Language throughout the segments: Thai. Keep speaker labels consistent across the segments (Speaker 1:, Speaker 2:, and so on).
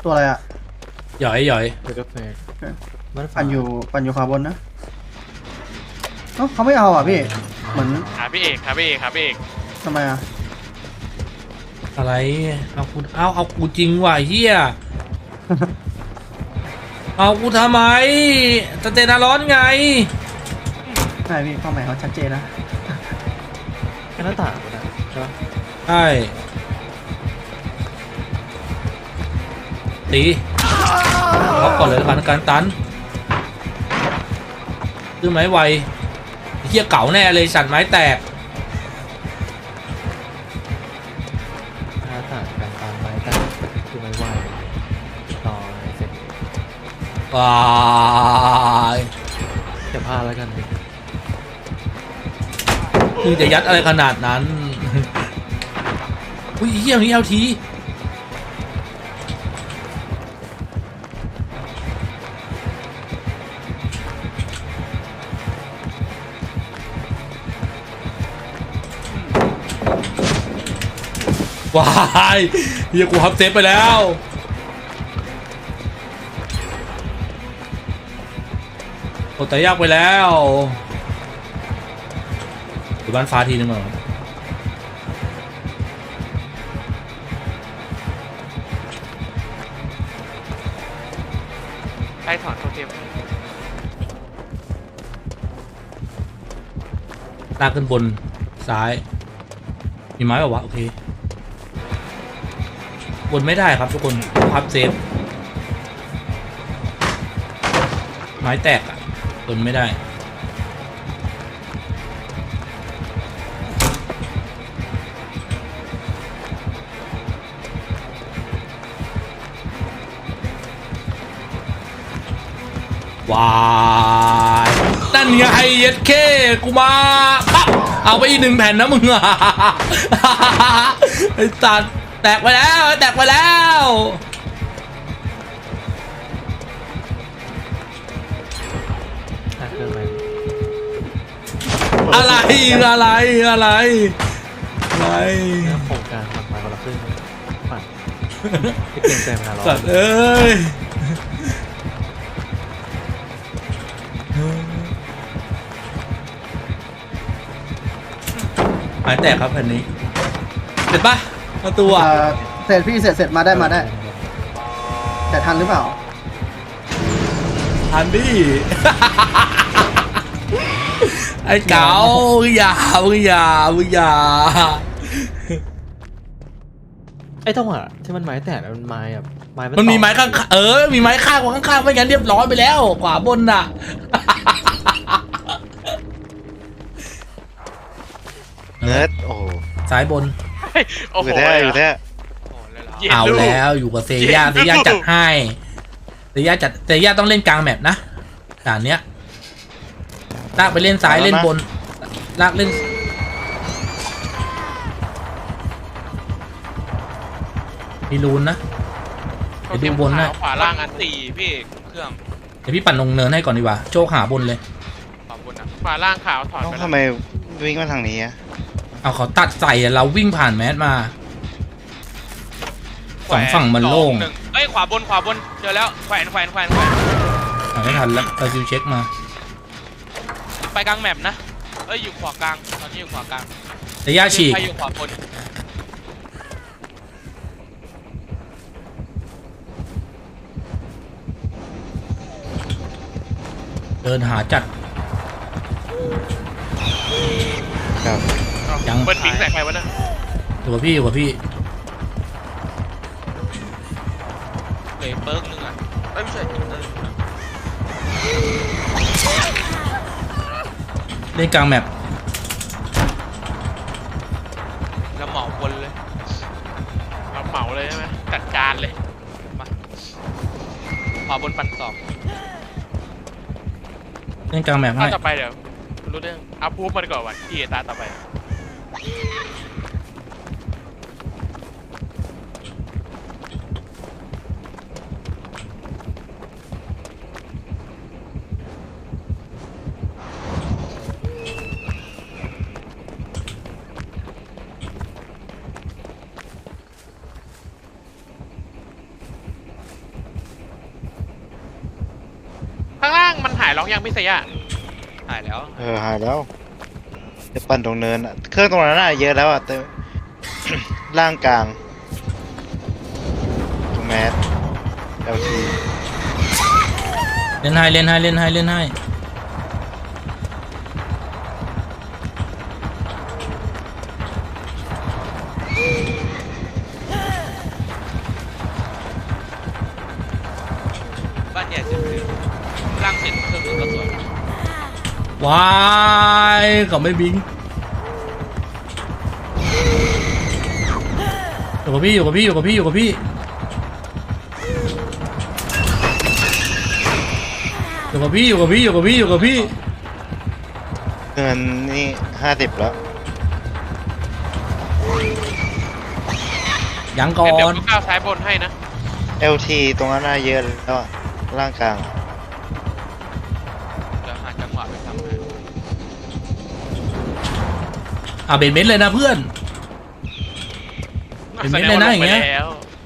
Speaker 1: ตัวอะไรอ่ะ
Speaker 2: หย่อยหย่อย
Speaker 3: เดี๋ยวก็แฟกมัน
Speaker 1: ปั่นอยู่ขวาบนนะเขาไม่เอาอ่ะพี่เหมือน
Speaker 4: หาพี่เอก
Speaker 1: ทำไมอ่ะ
Speaker 2: อะไรเอากูจริงว่ะเฮีย เอากูทำไมสเตนาร้อนไง
Speaker 1: ใช่พี่เป้าหมายเขาชัดเจนนะ
Speaker 3: แค่หน้าต่างนะใช่ปะ
Speaker 2: ใช่ตีล็อกก่อนเลยผ่านการตันซื้อไม้ไวเฮียเก่าแน่เลยสั่นไม้แตก
Speaker 3: หน้าต่างการตามไม้ตั้งคือไม้วายต่อเสร็จ
Speaker 2: ว้าย
Speaker 3: จะพลาดแล้วกันดิ
Speaker 2: คือจะยัดอะไรขนาดนั้น อุ้ยเฮียนี้เอาทีว้ายเฮียกูฮับเซฟไปแล้วโอ้แต่ยากไปแล้วอยู่บ้านฟ้าทีนึงเหรอ
Speaker 4: ใครถอนโทเทม
Speaker 2: ลากขึ้นบนซ้ายมีไม้ป่าวะโอเคบนไม่ได้ครับทุกคนพับเซฟไม้แตกอ่ะบนไม่ได้ว้ายนั่นไงเย็ดเคกูมาปั๊บเอาไปอีก1 แผ่นนะมึงอะไอ้สัตว์แตกไปแล้วแตกไปแล้ว
Speaker 3: เครื่อง
Speaker 2: อะไรอะไรอะไรอะไร
Speaker 3: โครงการทำมาคนละครึ่งปั่นที่เก่งใจมาล้อ
Speaker 2: สัตว์เอ้ยหายแตกครับแผ่นนี้เสร็จปะประตูอ่ะ
Speaker 1: เสร็จพี่เสร็จมาได้แต่ทันหรือเปล่า
Speaker 2: ทันดิไอ้เก๋าอย่า
Speaker 3: ไอ้จังหวะที่มันไม้แตกมันไม้แบบ
Speaker 2: มันมีไม้ข้างมีไม้ข้างกว่าข้างๆไม่งั้นเรียบร้อยไปแล้วขวาบนน่ะ
Speaker 5: เนิร์ดโอ้
Speaker 2: ซ้ายบน
Speaker 5: อยู่แท้
Speaker 2: เอาแล้วอยู่กับเซย่าจัดให้เซย่าต้องเล่นกลางแมปนะด่านเนี้ยลากไปเล่นซ้ายเล่นบนลากเล่นมีรูนนะไปดูบนนะ
Speaker 4: ขวาล่างอันตีพี่เครื่อง
Speaker 2: เดี๋ยวพี่ปั่นลงเนินให้ก่อนดีกว่าโชคหาบนเลย
Speaker 4: ขวาล่างขาวถอดไป
Speaker 5: ทำไมวิ่งมาทางนี้อะ
Speaker 2: เอาเขาตัดใส่เราวิ่งผ่านแมสมาสองฝั่งมันโล่ง
Speaker 4: เอ้ยขวาบนเจอแล้วแขวน
Speaker 2: ไม่ทันแล้วเราซิวเช็คมา
Speaker 4: ไปกลางแมปนะเอ้ยอยู่ขวากลางตอนนี้อยู่ขวากลาง
Speaker 2: แต่ย่าฉีก
Speaker 4: อยู่ขวาบน
Speaker 2: เดินหาจัด
Speaker 5: ครับ
Speaker 2: ยัง
Speaker 4: เปิดปิงใส่ใครวะเนี่ย
Speaker 2: อยู่กับพี่
Speaker 4: เปิร์กนึงอ่ะไม่ใช่
Speaker 2: เล่นกลางแมป
Speaker 4: แล้วเหมาบนเลยเราเหมาเลยใช่ไหมจัดการเลยมาขวาบนปั่นสอง
Speaker 2: เล่นกลางแมปให้
Speaker 4: ต่อไปเดี๋ยวรู้เรื่องเอาพูดมาก่อนวันที่ตาต่อไปายล็อกยังพี่เสียหายแล้ว
Speaker 5: หายแล้วจะปั่นตรงเนินอะเครื่องตรงนั้นน่ะเยอะแล้วอ่ะแต่ ล่างกลางตรงแมส LT
Speaker 2: เล่นให้เล่นให้เล่นให้เล่นให้
Speaker 4: บ้านใหญ่เสร็จคือร่างเสร็จเครื่องนึงก็สวย
Speaker 2: ว้ายเขาไม่บิงอยู่กับพี่อยู่กับพี่อยู่กับพี่อยู่กับพี่อยู่กับพี่อยู่กับพี่อยู่กับพี่อยู่กับพี่
Speaker 5: เงินนี่50แล้ว
Speaker 2: ยังก่อ
Speaker 4: เดี๋ยวน ก้าวซ้ายบนให้นะ
Speaker 5: LT ตรงนั้นน่ะเยอะแล้วอะล่างกลาง
Speaker 4: เดี๋ยวหาจังหวะไปทำให้
Speaker 2: เบนเม็ดเลยนะเพื่อน เป็นเม็ดเลยนะอย่างเงี้ย
Speaker 4: แสดว่ลไปแล้ว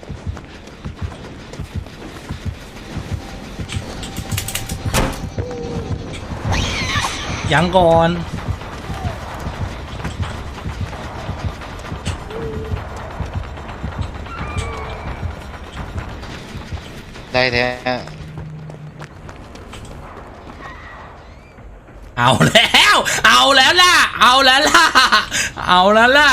Speaker 2: ยังก่อน
Speaker 5: ได้แท้
Speaker 2: เอาแล้วเอาแล้วล่ะเอาแล้วล่ะเอาแล้วล่ะ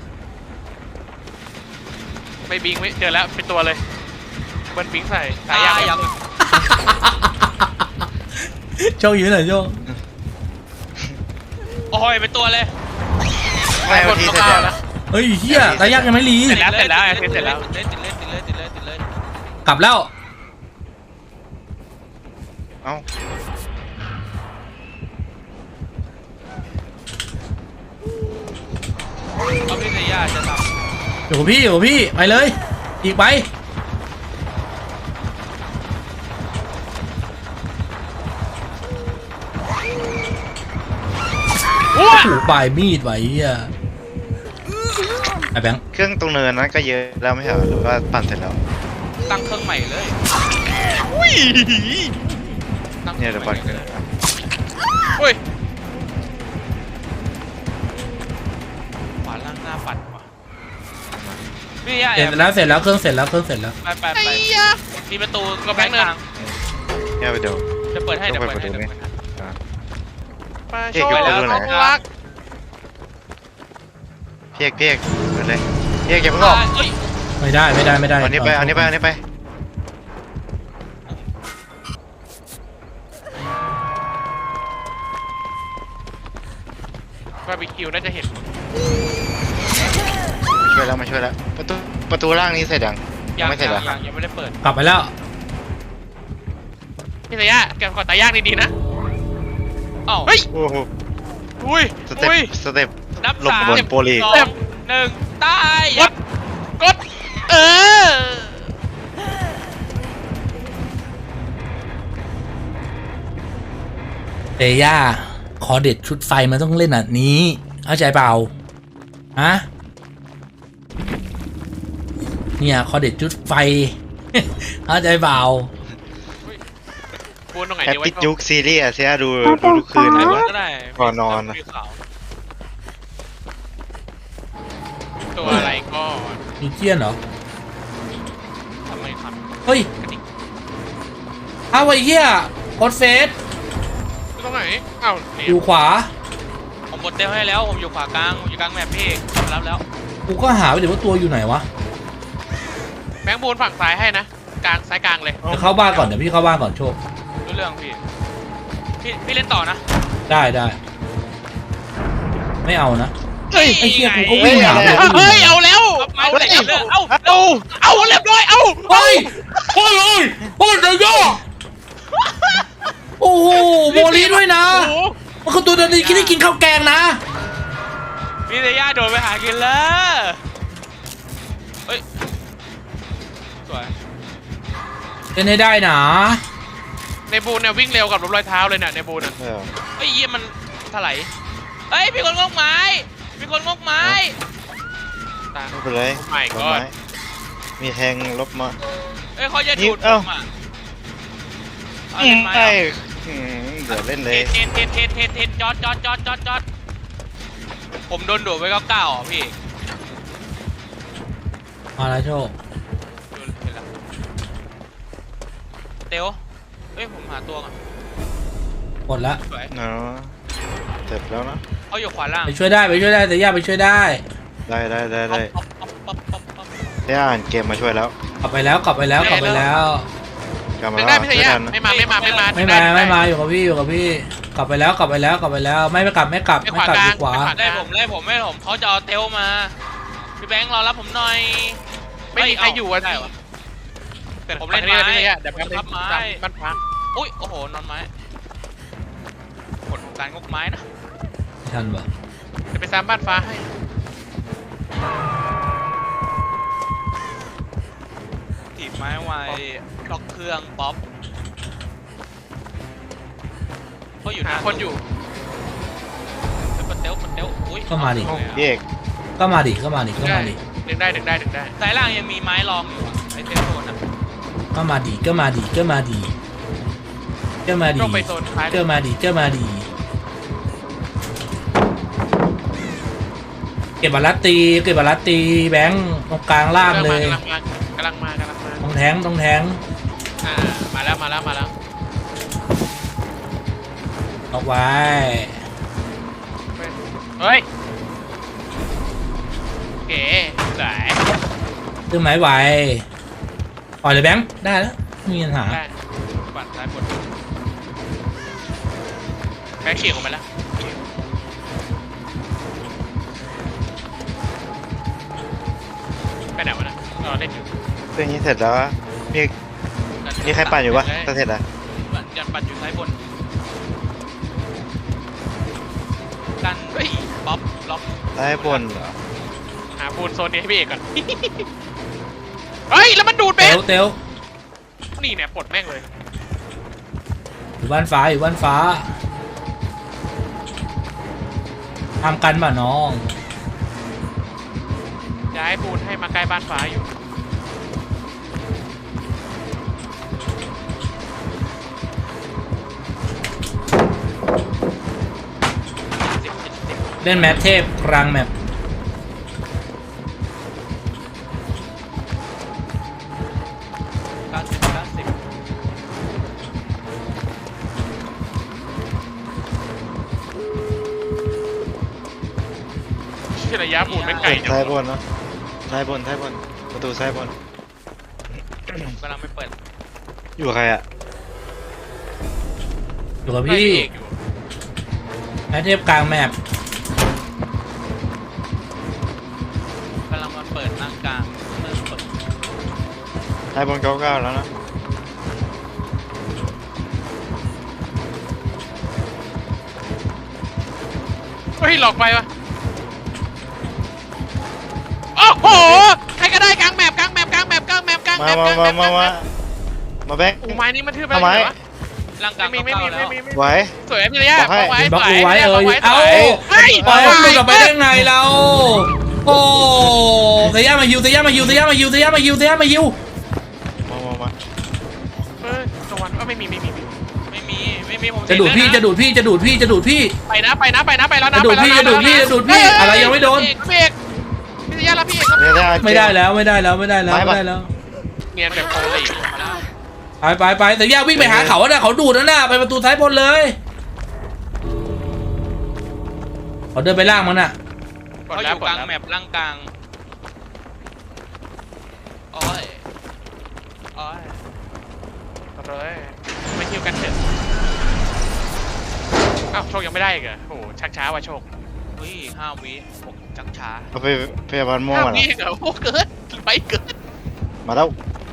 Speaker 4: ไม่บิงไม่เจอแล้วเป็นตัวเลยเบิ้ลบิงใส่สายยาง
Speaker 2: โชคอยู่ไหนโชค
Speaker 4: โอ้ยเป็นตัวเลย
Speaker 5: ไม่ LT เสร็จแล้ว
Speaker 4: นะ
Speaker 2: เฮ้ยเฮียตายากยังไม่รี
Speaker 4: เสร็จแล้วเสร็จแล้วเสร็จแล้ว
Speaker 3: ติดเลย
Speaker 2: กลับแล้ว
Speaker 5: เอ้า
Speaker 4: เอาพี่เสียจะท
Speaker 2: อยู่กับพี่อยู่กับพี่ไปเลยอีกไปโอ้โหปลายมีดไว้เฮียไอ้แบงค์
Speaker 5: เครื่องตรงเนินนั้นก็เยอะแล้วไม่ใช่เหรอหรือว่าปั่นเสร็จแล้ว
Speaker 4: ำตั้งเครื่องใหม่เลยอุ้ยตั้งค
Speaker 5: เนี่
Speaker 4: รื่
Speaker 5: ย
Speaker 4: อง
Speaker 5: เดี๋ยว
Speaker 4: ให
Speaker 5: ปั่น
Speaker 4: ม่
Speaker 5: เครื่อง
Speaker 4: อุ้ยขวาล่างหน้าปัดว่ะพี่ยา
Speaker 2: เสร็จแล้วเสร็จแล้วเครื่องเสร็จแล้วเครื่องเสร็จแล้ว
Speaker 4: ไปมีประตูกระแพงเนิน
Speaker 5: เนี่ยไปดู
Speaker 4: จะเปิดให้
Speaker 5: ต้
Speaker 4: เดี๋
Speaker 5: อย ง
Speaker 4: ว
Speaker 5: ไป
Speaker 4: เปิดให้
Speaker 5: ประตู
Speaker 4: เดี๋ยว
Speaker 5: นี้
Speaker 4: เปิดให้
Speaker 5: อ่า
Speaker 4: มา
Speaker 5: เอก
Speaker 4: โชว์
Speaker 5: อยู่
Speaker 4: แล้ว
Speaker 5: ประตูไหน
Speaker 4: น้องรัก
Speaker 5: พี่เอกไปเลยพี่เอกอย่าเพิ่งออก
Speaker 4: เอ้ย
Speaker 2: ไม่ได้ไม่ได้ไม่ได้
Speaker 5: เอานี้ไปเอานี้ไปเอานี้ไป
Speaker 4: บาร์บีคิวน่าจะเห็น
Speaker 5: ช่วยแล้วมาช่วยแล้วประตูล่างนี้เสร็จยังยังไม่เสร็จเหรอ
Speaker 4: ยังไม่ได้เปิด
Speaker 2: กลับไปแล้ว
Speaker 4: พี่สายะแกกดตายากดีๆนะอ้าวเฮ้ย
Speaker 5: โอ้โห
Speaker 4: อุ้ย
Speaker 5: สเต็ป
Speaker 4: อุ้ย
Speaker 5: สเต็ป
Speaker 4: นับ
Speaker 5: หลบ
Speaker 4: สาม
Speaker 5: บนโปรลีก
Speaker 4: สองหนึ่งตายกดเออ
Speaker 2: เตย่าขอเด็ดชุดไฟมันต้องเล่นแบบนี้เข้าใจเปล่าฮะเนี่ยขอเด็ดชุดไฟ เข้าใจเปล่า
Speaker 4: ปูนตรงไหน
Speaker 5: แฮป
Speaker 4: ดีไว้
Speaker 5: ปี้จุกซีรีส์อะเสียดูทุกคืน
Speaker 4: ไหน
Speaker 5: นะ
Speaker 4: วะก็ได้
Speaker 5: ก่อนนอนนะ
Speaker 4: มีขาวตัวอะไรก็
Speaker 2: มีเกี้ยนเหรอ
Speaker 4: ทำไมครับ
Speaker 2: เฮ้ยเอาไอ้เหี้ยกดเฟส
Speaker 4: ตรงไหนอ้าวนี่
Speaker 2: อยู่ขวา
Speaker 4: ผมบดเต้ให้แล้วผมอยู่ขวากลางผมอยู่กลางแมปพี่รับแล้ว
Speaker 2: กูก็หาไปเดี๋ยวว่าตัวอยู่ไหนวะ
Speaker 4: แบงค์บูนฝั่งซ้ายให้นะกลางซ้ายกลางเลย
Speaker 2: เดี๋ยวเข้าบ้านก่อนเดี๋ยวพี่เข้าบ้านก่อนโชค
Speaker 4: รู้เรื่องพี่เล่นต่อนะ
Speaker 2: ได้ได้ไม่เอานะ
Speaker 4: เฮ้ย
Speaker 2: ไอ้เหี้ยกูก็วิ่งหา
Speaker 4: เฮ้ยเอาแล้วเอาเรื่องเอาเรียบร้อยเอา
Speaker 2: เฮ้ยเฮ้ยเฮ้ยเฮ้ยเดี๋ยวย่อโอ้โหโมลีด้วยนะ
Speaker 4: โอ้โห
Speaker 2: มันคือตัวเดินดีคิดได้กินข้าวแกงนะ
Speaker 4: พี่เตย่าโดนไปหากินแล้วเฮ้ยสวย
Speaker 2: เล่นให้ได้นะ
Speaker 4: ในบูนเนี่ยวิ่งเร็วกับรถรอยเท้าเลยเนี่ยในบูนอ่ะ
Speaker 5: เออ
Speaker 4: เฮ้ยเยี่ยมันถลายเฮ้ยมีคนงอกไม้มีคนงอกไม้ตา
Speaker 5: ไม่เป็นไร
Speaker 4: Oh my
Speaker 5: ดอก
Speaker 4: god
Speaker 5: ไม้มีแทงลบมา
Speaker 4: เอ้ยเขาจะดูด
Speaker 5: เอ้า
Speaker 4: ผมอ่ะเอาเป็นไม้
Speaker 5: ไอ้
Speaker 4: เหรอ
Speaker 5: เดี๋ยวเล่นเลย
Speaker 4: เทนจอดผมโดนดูดไว้99อ่ะพี่
Speaker 2: มาแล้วโชค
Speaker 4: โดนเห็นแล้วเตียวเฮ้ยผมหาตัวก่อน
Speaker 2: หมดละ
Speaker 4: สวย
Speaker 5: เนาะเสร็จแล้วนะ
Speaker 4: เขาอยู่ขวาล่าง
Speaker 2: ไปช่วยได้แต่ย่าไปช่วยได้
Speaker 5: ได้
Speaker 4: ป๊อป
Speaker 5: ได้อ่านเกมมาช่วยแล้ว
Speaker 2: กลับไปแล้ว
Speaker 5: กลับมา
Speaker 4: ดึง
Speaker 5: แล้ว
Speaker 4: ได้พี่
Speaker 5: ช่
Speaker 4: ชา
Speaker 5: วย
Speaker 4: ยา
Speaker 5: ทัน
Speaker 4: ไม่มา
Speaker 2: ไม่มาอยู่กับพี่กลับไปแล้วไม่กลับ
Speaker 4: ไปขวา
Speaker 2: อยู่
Speaker 4: กลาง
Speaker 2: ขวา
Speaker 4: ไล่ผมเขาจะเอาเตียวมาพี่แบงค์รอรับผมหน่อยไม่มีใครอยู่อ่ะได้วะผมเล่นไม้เดี๋ยวพับไม้มันพังอุ้ยโอ้โหนอนไม้ผลของการงกไม้นะ
Speaker 2: ไม่ทันวะ
Speaker 4: จะไปซ้ำบ้านฟ้าให้ถีบไม้ไวล็อกเครื่องป๊อปเขาอยู่หาคนอยู่เตลอุ้ย
Speaker 2: ก็มาดิ
Speaker 5: พี่เอก
Speaker 2: ก็มาดิ
Speaker 4: ดึงได้สายล่างยังมีไม้รองอยู่ไอเทมโซนอ่ะ
Speaker 2: ก็มาดิ
Speaker 4: ต้องไปโซนท้าย
Speaker 2: เก็บบาลัตตีแบงค์ตรงกลางล่างเลย
Speaker 4: กำลังมา
Speaker 2: ตรงแทง
Speaker 4: มาแล้ว
Speaker 2: ออกไว้
Speaker 4: เฮ้ยเก๋สาย
Speaker 2: ตื้อไม้ไหวปล่อยเลยแบงค์ได้แล้วไม่มีปัญหา
Speaker 4: ได้ปั่นซ้ายบนแบงค์เขี่ยออกมาแล้วไปไหนวะนะเราเล่นอยู่
Speaker 5: เรื่องนี้เสร็จแล้วมีใครปั่นอยู่ปะจะเสร็จแล้ว
Speaker 4: ยันปั่นอยู่ซ้ายบนกันเฮ้ยป๊อปล็อก
Speaker 5: ซ้ายบนเหรอ
Speaker 4: หาปูนโซนนี้ให้พี่เอกก่อน เฮ้ยแล้วมันดูดเบ
Speaker 2: เต๋ว
Speaker 4: นี่เนี่ยปลดแม่งเลย
Speaker 2: อยู่บ้านฟ้าทำกันป่ะน้อง
Speaker 4: ย้ายปูนให้มาใกล้บ้านฟ้าอยู่10
Speaker 2: เล่นแมทเทพกลางแมป
Speaker 4: ที่ระยะปูนไม่ไกลจัง
Speaker 5: ซ้ายบนเนาะซ้ายบนประตูซ้ายบน
Speaker 4: กำลังไม่เปิด
Speaker 5: อยู่กับใครอ่ะ
Speaker 2: อยู่กับ
Speaker 4: ให้
Speaker 2: พี่
Speaker 4: เอกอยู่
Speaker 2: แมทเทพกลางแมป
Speaker 4: กำลังมาเปิดหน้ากลางเริ่มเปิด
Speaker 5: ซ้ายบน99แล้วนะ
Speaker 4: เฮ้ยหลอกไปวะโอ้โหใครก็ได้กลางแมป
Speaker 5: มาแบงค์
Speaker 4: อูไม้นี้มันทื่อไป
Speaker 5: ทำไม
Speaker 4: วะร่างกลางไม่มี
Speaker 5: ไหว
Speaker 4: สวยพี่ระยะ
Speaker 5: บอกให้
Speaker 4: ไว้
Speaker 2: บล็อก
Speaker 4: สวย
Speaker 2: ดูไว้
Speaker 4: บล็อก
Speaker 2: เอ้า
Speaker 4: เฮ้ย
Speaker 2: ปล่อยมันหลุดออกไปได้ไงเราโอ้เซียมาฮิว
Speaker 5: มา
Speaker 4: เออตะวันก็ไม่มีผม
Speaker 2: จะดูดพี่
Speaker 4: ไปนะแล้วนะ
Speaker 2: จะดูดพี่อะไรยังไม่โดน
Speaker 4: พี่เอกพี่ระยะแล้วพี่เอก
Speaker 2: ไม่ได้แล้ว
Speaker 4: เนียนแบบโคลี่มาแล้ว
Speaker 2: ไปแต่ย่าวิ่งไปหาเขาน่ะเขาดูดน่ะไปประตูซ้ายบนเลยเขาเดินไปล่างมันน่ะ
Speaker 4: เขาอยู่กลางแมปล่างกลางโอ้ยเลยไม่คิวกันเถอะอ้าวโชคยังไม่ได้อีกเหรอโอ้โหชักช้าว่ะโชคเฮ้ย5 วิผมชักช้า
Speaker 5: เอาไปพยาบาลม่วง
Speaker 4: 5
Speaker 5: มา
Speaker 4: วิ
Speaker 5: แล้ว
Speaker 4: เหรอโอ้เกินไปเกิน
Speaker 5: มาแล้ว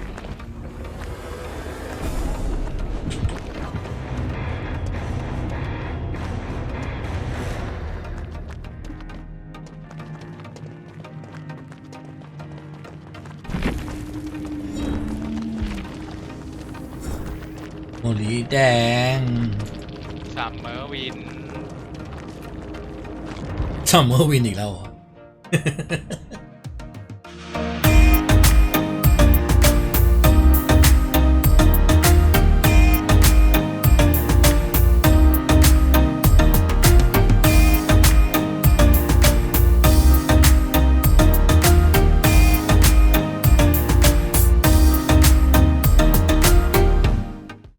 Speaker 2: โมลีแดง
Speaker 4: ซัมเมอร์วิน
Speaker 2: ซัมเมอร์วินอีกแล้วเหรอ